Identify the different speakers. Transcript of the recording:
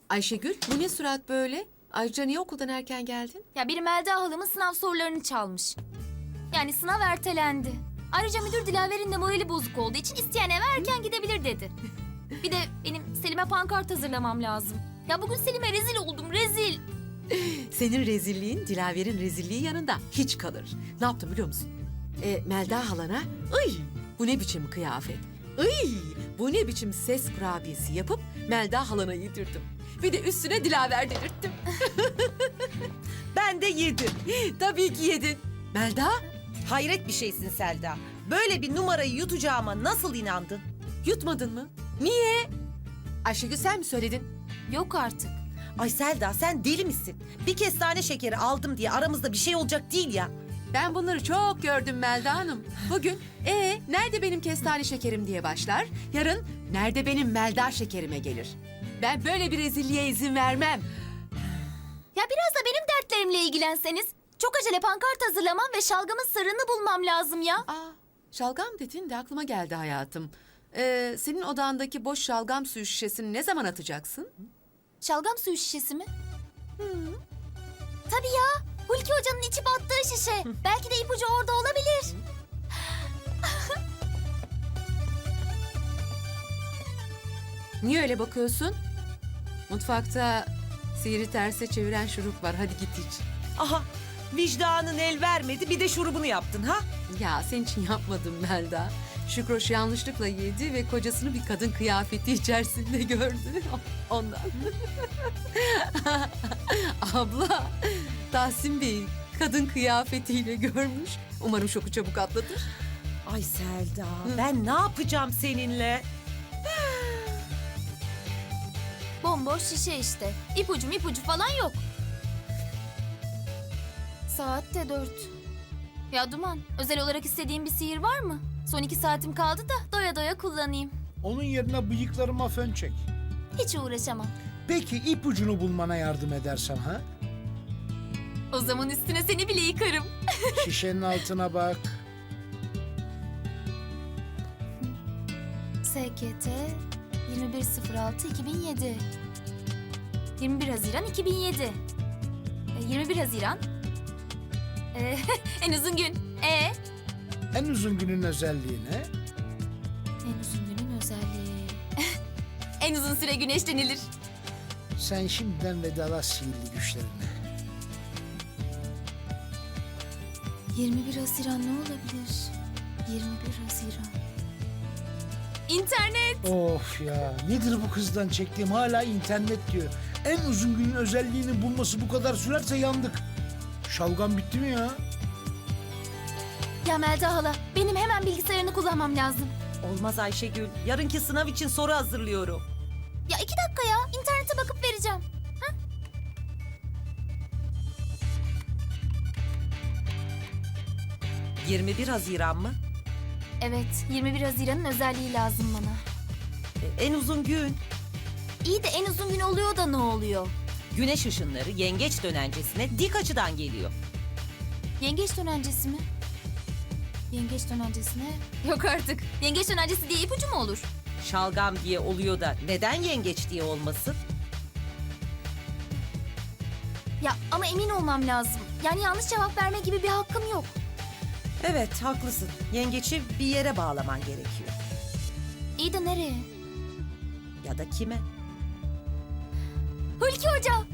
Speaker 1: Ayşegül, bu ne surat böyle? Ayrıca niye okuldan erken geldin?
Speaker 2: Ya biri Melda halamın sınav sorularını çalmış. Yani sınav ertelendi. Ayrıca müdür Dilaver'in de morali bozuk olduğu için isteyen eve erken gidebilir dedi. Bir de benim Selim'e pankart hazırlamam lazım. Ya bugün Selim'e rezil oldum, rezil.
Speaker 1: Senin rezilliğin Dilaver'in rezilliği yanında hiç kalır. Ne yaptım biliyor musun? Melda halana, "Ay, bu ne biçim kıyafet? Ay, bu ne biçim ses kurabiyesi" yapıp Melda halana yedirdim. Bir de üstüne Dilaver delirttim.
Speaker 3: Ben de yedim.
Speaker 1: Tabii ki yedin. Melda,
Speaker 3: Hayret bir şeysin Selda. Böyle bir numarayı yutacağıma nasıl inandın?
Speaker 1: yutmadın mı? Niye? Ayşegül, sen mi söyledin?
Speaker 2: Yok artık.
Speaker 3: Ay Selda, sen deli misin? Bir kestane şekeri aldım diye aramızda bir şey olacak değil ya.
Speaker 1: Ben bunları çok gördüm Melda Hanım. Bugün nerede benim kestane şekerim diye başlar. Yarın nerede benim Melda şekerime gelir. Ben böyle bir rezilliğe izin vermem.
Speaker 2: Ya biraz da benim dertlerimle ilgilenseniz. Çok acele pankart hazırlamam ve şalgamın sırrını bulmam lazım ya.
Speaker 1: Aa, şalgam dedin de aklıma geldi hayatım. Senin odandaki boş şalgam suyu şişesini ne zaman atacaksın?
Speaker 2: Şalgam suyu şişesi mi? Tabii ya. Hulki Hoca'nın içip attığı şişe. Belki de ipucu orada olabilir.
Speaker 1: Niye öyle bakıyorsun? Mutfakta sihri terse çeviren şurup var. Hadi git iç.
Speaker 3: Aha, vicdanın el vermedi, bir de şurubunu yaptın ha?
Speaker 1: Ya senin için yapmadım Melda. Şükroş yanlışlıkla yedi ve kocasını bir kadın kıyafeti içerisinde gördü. Ondan. Abla, Tahsin Bey'i kadın kıyafetiyle görmüş. Umarım şoku çabuk atlatır.
Speaker 3: Ay Selda, ben ne yapacağım seninle?
Speaker 2: Bomboş şişe işte. İpucu falan yok. Saat de 4. Ya Duman, özel olarak istediğin bir sihir var mı? Son 2 saatim kaldı da doya doya kullanayım.
Speaker 4: Onun yerine bıyıklarıma fön çek.
Speaker 2: Hiç uğraşamam.
Speaker 4: Peki ipucunu bulmana yardım edersem ha?
Speaker 2: O zaman üstüne seni bile yıkarım.
Speaker 4: Şişenin altına bak.
Speaker 2: SKT 21.06.2007 21 Haziran 2007 21 Haziran en uzun gün.
Speaker 4: En uzun günün özelliği ne?
Speaker 2: En uzun günün özelliği. En uzun süre güneşlenilir.
Speaker 4: Sen şimdiden vedalaş sihirli güçlerine.
Speaker 2: 21 Haziran ne olabilir? 21 Haziran. İnternet.
Speaker 4: Of ya, nedir bu kızdan çektiğim, hala internet diyor. En uzun günün özelliğini bulması bu kadar sürerse yandık. Şalgam bitti mi ya?
Speaker 2: Ya Melda hala, benim hemen bilgisayarını kullanmam lazım.
Speaker 3: Olmaz Ayşegül, yarınki sınav için soru hazırlıyorum.
Speaker 2: Ya 2 dakika ya, internete bakıp vereceğim.
Speaker 3: 21 Haziran mı?
Speaker 2: Evet, 21 Haziran'ın özelliği lazım bana.
Speaker 3: En uzun gün.
Speaker 2: İyi de en uzun gün oluyor da ne oluyor?
Speaker 3: Güneş ışınları yengeç dönencesine dik açıdan geliyor.
Speaker 2: Yengeç dönencesi mi? Yengeç dönencesine... Yok artık. Yengeç dönencesi diye ipucu mu olur?
Speaker 3: Şalgam diye oluyor da neden yengeç diye olmasın?
Speaker 2: Ya ama emin olmam lazım. Yani yanlış cevap verme gibi bir hakkım yok.
Speaker 3: Evet, haklısın. Yengeci bir yere bağlaman gerekiyor.
Speaker 2: İyi de nereye?
Speaker 3: Ya da kime?
Speaker 2: Hulki Hoca!